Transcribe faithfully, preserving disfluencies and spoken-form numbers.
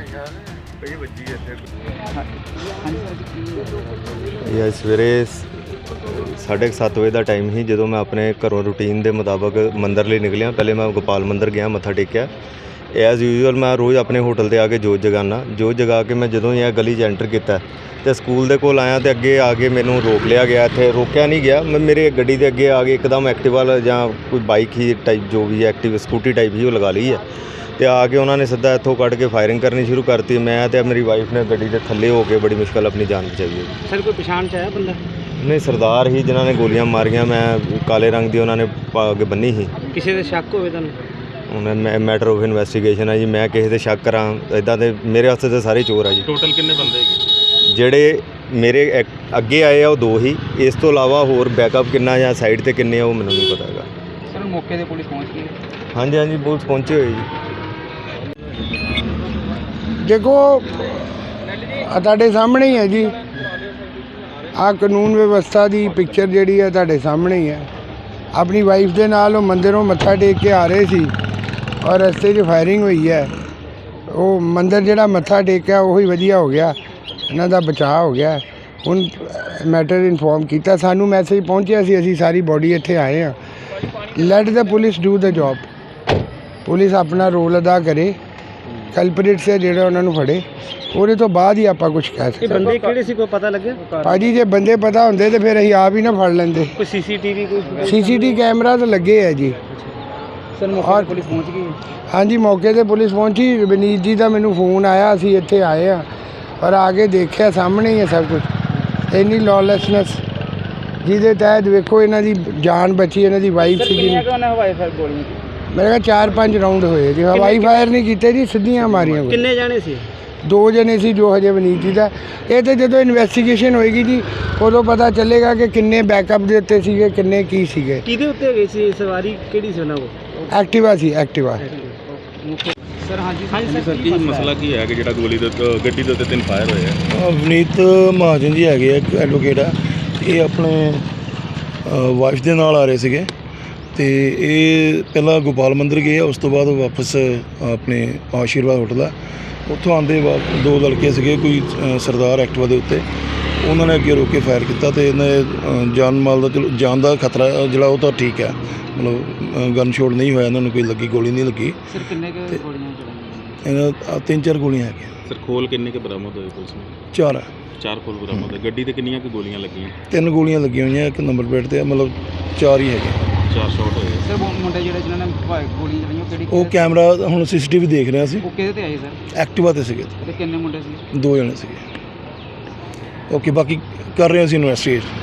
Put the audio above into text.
ਇਹ ਅੱਜ ਸਵੇਰੇ ਸਾਢੇ ਸੱਤ ਵਜੇ ਦਾ ਟਾਈਮ ਸੀ ਜਦੋਂ ਮੈਂ ਆਪਣੇ ਘਰੋਂ ਰੂਟੀਨ ਦੇ ਮੁਤਾਬਕ ਮੰਦਰ ਲਈ ਨਿਕਲਿਆ। ਪਹਿਲੇ ਮੈਂ ਗੋਪਾਲ ਮੰਦਰ ਗਿਆ, ਮੱਥਾ ਟੇਕਿਆ। ਐਜ਼ ਯੂਜੂਅਲ ਮੈਂ ਰੋਜ਼ ਆਪਣੇ ਹੋਟਲ 'ਤੇ ਆ ਕੇ ਜੋਤ ਜਗਾਉਂਦਾ। ਜੋਤ ਜਗਾ ਕੇ ਮੈਂ ਜਦੋਂ ਹੀ ਇਹ ਗਲੀ 'ਚ ਐਂਟਰ ਕੀਤਾ ਅਤੇ ਸਕੂਲ ਦੇ ਕੋਲ ਆਇਆ ਅਤੇ ਅੱਗੇ ਆ ਕੇ ਮੈਨੂੰ ਰੋਕ ਲਿਆ ਗਿਆ। ਇੱਥੇ ਰੋਕਿਆ ਨਹੀਂ ਗਿਆ, ਮੈਂ ਮੇਰੇ ਗੱਡੀ ਦੇ ਅੱਗੇ ਆ ਕੇ ਇੱਕਦਮ ਐਕਟਿਵਾ ਜਾਂ ਕੋਈ ਬਾਈਕ ਹੀ ਟਾਈਪ ਜੋ ਵੀ ਐਕਟਿਵ ਸਕੂਟੀ ਟਾਈਪ ਹੀ ਉਹ ਲਗਾ ਲਈ ਹੈ ਅਤੇ ਆ ਕੇ ਉਹਨਾਂ ਨੇ ਸਿੱਧਾ ਇੱਥੋਂ ਕੱਢ ਕੇ ਫਾਇਰਿੰਗ ਕਰਨੀ ਸ਼ੁਰੂ ਕਰਤੀ। ਮੈਂ ਅਤੇ ਮੇਰੀ ਵਾਈਫ ਨੇ ਗੱਡੀ ਦੇ ਥੱਲੇ ਹੋ ਕੇ ਬੜੀ ਮੁਸ਼ਕਿਲ ਆਪਣੀ ਜਾਨ ਬਚਾਈ ਹੈ। ਸਰ ਕੋਈ ਪਛਾਣ 'ਚ ਆਇਆ ਬੰਦਾ? ਨਹੀਂ, ਸਰਦਾਰ ਹੀ ਜਿਨ੍ਹਾਂ ਨੇ ਗੋਲੀਆਂ ਮਾਰੀਆਂ। ਮੈਂ ਕਾਲੇ ਰੰਗ ਦੀ ਉਹਨਾਂ ਨੇ ਪੱਗ ਬੰਨੀ ਸੀ। ਕਿਸੇ ਦੇ ਸ਼ੱਕ ਹੋਵੇ ਤੁਹਾਨੂੰ? ਹੁਣ ਮੈਂ ਮੈਟਰ ਆਫ ਇਨਵੈਸਟੀਗੇਸ਼ਨ ਹੈ ਜੀ। ਮੈਂ ਕਿਸੇ 'ਤੇ ਸ਼ੱਕ ਕਰਾਂ ਇੱਦਾਂ ਦੇ ਮੇਰੇ ਵਾਸਤੇ ਤਾਂ ਸਾਰੇ ਚੋਰ ਆ ਜੀ। ਟੋਟਲ ਕਿੰਨੇ ਬੰਦੇ ਹੈਗੇ? ਜਿਹੜੇ ਮੇਰੇ ਐਕ- ਅੱਗੇ ਆਏ ਆ ਉਹ ਦੋ ਹੀ। ਇਸ ਤੋਂ ਇਲਾਵਾ ਹੋਰ ਬੈਕਅਪ ਕਿੰਨਾ ਜਾਂ ਸਾਈਡ 'ਤੇ ਕਿੰਨੇ ਆ ਉਹ ਮੈਨੂੰ ਨਹੀਂ ਪਤਾ ਹੈਗਾ। ਸਰ ਮੌਕੇ 'ਤੇ ਪੁਲਿਸ ਪਹੁੰਚ ਗਈ? ਹਾਂਜੀ ਹਾਂਜੀ, ਪੁਲਿਸ ਪਹੁੰਚੀ ਹੋਈ ਜੀ। ਦੇਖੋ ਆਹ ਤੁਹਾਡੇ ਸਾਹਮਣੇ ਹੀ ਹੈ ਜੀ, ਆਹ ਕਾਨੂੰਨ ਵਿਵਸਥਾ ਦੀ ਪਿਕਚਰ ਜਿਹੜੀ ਹੈ ਤੁਹਾਡੇ ਸਾਹਮਣੇ ਹੀ ਹੈ। ਆਪਣੀ ਵਾਈਫ ਦੇ ਨਾਲ ਉਹ ਮੰਦਿਰੋਂ ਮੱਥਾ ਟੇਕ ਕੇ ਆ ਰਹੇ ਸੀ ਔਰ ਰਸਤੇ 'ਚ ਫਾਇਰਿੰਗ ਹੋਈ ਹੈ। ਉਹ ਮੰਦਿਰ ਜਿਹੜਾ ਮੱਥਾ ਟੇਕਿਆ ਉਹੀ ਵਧੀਆ ਹੋ ਗਿਆ, ਇਹਨਾਂ ਦਾ ਬਚਾਅ ਹੋ ਗਿਆ। ਹੁਣ ਮੈਟਰ ਇਨਫੋਰਮ ਕੀਤਾ, ਸਾਨੂੰ ਮੈਸੇਜ ਪਹੁੰਚਿਆ ਸੀ, ਅਸੀਂ ਸਾਰੀ ਬੋਡੀ ਇੱਥੇ ਆਏ ਹਾਂ। Let the police do the job. Police ਆਪਣਾ ਰੋਲ ਅਦਾ ਕਰੇ, ਕਲਪਰੇਟਸ ਹੈ ਜਿਹੜਾ ਉਹਨਾਂ ਨੂੰ ਫੜੇ, ਉਹਦੇ ਤੋਂ ਬਾਅਦ ਹੀ ਆਪਾਂ ਕੁਝ ਕਹਿ ਸਕਦੇ। ਬੰਦੇ ਕਿਹੜੇ ਸੀ, ਕੋਈ ਪਤਾ ਲੱਗਿਆ? ਭਾਜੀ ਜੇ ਬੰਦੇ ਪਤਾ ਹੁੰਦੇ ਤੇ ਫਿਰ ਅਸੀਂ ਆਪ ਹੀ ਨਾ ਫੜ ਲੈਂਦੇ। ਕੋਈ ਸੀਸੀਟੀਵੀ ਕੋਈ? ਸੀਸੀਟੀਵੀ ਕੈਮਰਾ ਤਾਂ ਲੱਗੇ ਹੈ ਜੀ। ਸਰ ਮੌਕੇ 'ਤੇ ਪੁਲਿਸ ਪਹੁੰਚ ਗਈ? ਹਾਂਜੀ, ਮੌਕੇ 'ਤੇ ਪੁਲਿਸ ਪਹੁੰਚੀ। ਵਿਨੀਤ ਜੀ ਦਾ ਮੈਨੂੰ ਫੋਨ ਆਇਆ, ਅਸੀਂ ਇੱਥੇ ਆਏ ਹਾਂ ਔਰ ਆ ਕੇ ਦੇਖਿਆ ਸਾਹਮਣੇ ਹੀ ਹੈ ਸਭ ਕੁਝ। ਇੰਨੀ ਲੌਲੈਸਨੈਸ ਜਿਹਦੇ ਤਹਿਤ ਵੇਖੋ ਇਹਨਾਂ ਦੀ ਜਾਨ ਬਚੀ, ਇਹਨਾਂ ਦੀ ਵਾਈਫ ਸੀਗੀ। ਹਵਾਈ ਫਾਇਰ ਗੋਲੀਆਂ? ਮੇਰੇ ਕੋਲ ਚਾਰ ਪੰਜ ਰਾਊਂਡ ਹੋਏ ਜੀ। ਹਵਾਈ ਫਾਇਰ ਨਹੀਂ ਕੀਤੇ ਜੀ, ਸਿੱਧੀਆਂ ਮਾਰੀਆਂ। ਕਿੰਨੇ ਜਾਣੇ ਸੀ? ਦੋ ਜਣੇ ਸੀ ਜੋ ਹਜੇ ਵਿਨੀਤ ਜੀ ਦਾ। ਇਹ ਤਾਂ ਜਦੋਂ ਇਨਵੈਸਟੀਗੇਸ਼ਨ ਹੋਏਗੀ ਜੀ ਉਦੋਂ ਪਤਾ ਚੱਲੇਗਾ ਕਿ ਕਿੰਨੇ ਬੈਕਅਪ ਦੇ ਉੱਤੇ ਸੀਗੇ, ਕਿੰਨੇ ਕੀ ਸੀਗੇ। ਕਿਹਦੇ ਉੱਤੇ ਗਈ ਸੀ ਸਵਾਰੀ, ਕਿਹੜੀ ਸੀ ਉਹਨਾਂ ਕੋਲ? ਐਕਟਿਵਾ ਸੀ, ਐਕਟਿਵਾ। ਸਰ ਹਾਂਜੀ ਹਾਂਜੀ ਸਰ, ਕੀ ਮਸਲਾ ਕੀ ਹੈ ਕਿ ਜਿਹੜਾ ਗੋਲੀ ਦੇ ਗੱਡੀ ਦੇ ਉੱਤੇ ਤਿੰਨ ਫਾਇਰ ਹੋਏ ਆ? ਅ, ਵਿਨੀਤ ਮਹਾਜਨ ਜੀ ਹੈਗੇ ਆ, ਐਡਵੋਕੇਟ ਆ। ਇਹ ਆਪਣੇ ਵਾਈਫ ਦੇ ਨਾਲ ਆ ਰਹੇ ਸੀਗੇ ਅਤੇ ਇਹ ਪਹਿਲਾਂ ਗੋਪਾਲ ਮੰਦਰ ਗਏ ਆ, ਉਸ ਤੋਂ ਬਾਅਦ ਵਾਪਸ ਆਪਣੇ ਆਸ਼ੀਰਵਾਦ ਹੋਟਲ ਆ। ਉੱਥੋਂ ਆਉਂਦੇ ਬਾਅਦ ਦੋ ਲੜਕੇ ਸੀਗੇ, ਕੋਈ ਅ, ਸਰਦਾਰ ਐਕਟਿਵਾ ਦੇ ਉੱਤੇ, ਉਹਨਾਂ ਨੇ ਅੱਗੇ ਰੋਕ ਕੇ ਫਾਇਰ ਕੀਤਾ ਅਤੇ ਇਹਨਾਂ ਜਾਨ ਮਾਲ ਦਾ ਚਲੋ ਜਾਨ ਦਾ ਖਤਰਾ ਜਿਹੜਾ ਉਹ ਤਾਂ ਠੀਕ ਹੈ, ਮਤਲਬ ਗਨ ਸ਼ੋਟ ਨਹੀਂ ਹੋਇਆ, ਇਹਨਾਂ ਨੂੰ ਕੋਈ ਲੱਗੀ ਗੋਲੀ ਨਹੀਂ ਲੱਗੀ। ਸਰ ਕਿੰਨੇ ਕੁ ਗੋਲੀਆਂ ਚਲਾਈਆਂ? ਇਹਨਾਂ ਆਹ ਤਿੰਨ ਚਾਰ ਗੋਲੀਆਂ ਹੈਗੀਆਂ। ਸਰ ਖੋਲ ਕਿੰਨੇ ਕੁ ਬਰਾਮਦ ਹੋਏ ਪੁਲਿਸ ਨੂੰ? ਚਾਰ ਆ। ਚਾਰ ਖੋਲ ਬਰਾਮਦ ਹੋਏ। ਗੱਡੀ ਤੇ ਕਿੰਨੀਆਂ ਕੁ ਗੋਲੀਆਂ ਲੱਗੀਆਂ? ਤਿੰਨ ਗੋਲੀਆਂ ਲੱਗੀਆਂ ਹੋਈਆਂ, ਇੱਕ ਨੰਬਰ ਪਲੇਟ 'ਤੇ ਆ, ਮਤਲਬ ਚਾਰ ਹੀ ਹੈਗੇ। ਚਾਰ ਸ਼ਾਟ ਹੋਏ। ਸਰ ਮੁੰਡੇ ਜਿਹੜੇ ਜਿਨ੍ਹਾਂ ਨੇ ਗੋਲੀਆਂ ਚਲਾਈਆਂ ਉਹ ਕਿਹੜੀ? ਉਹ ਕੈਮਰਾ ਹੁਣ ਸੀ ਸੀ ਟੀ ਵੀ ਦੇਖ ਰਿਹਾ ਸੀ। ਉਹ ਕਿਹਦੇ ਤੇ ਆਏ ਸਰ? ਐਕਟਿਵਾ 'ਤੇ ਸੀਗੇ, ਤੇ ਕਿੰਨੇ ਮੁੰਡੇ ਸੀ? ਦੋ ਜਣੇ ਸੀਗੇ। ਓਕੇ, ਬਾਕੀ ਕਰ ਰਹੇ ਅਸੀਂ ਇਨਵੈਸਟੀਗੇਸ਼ਨ।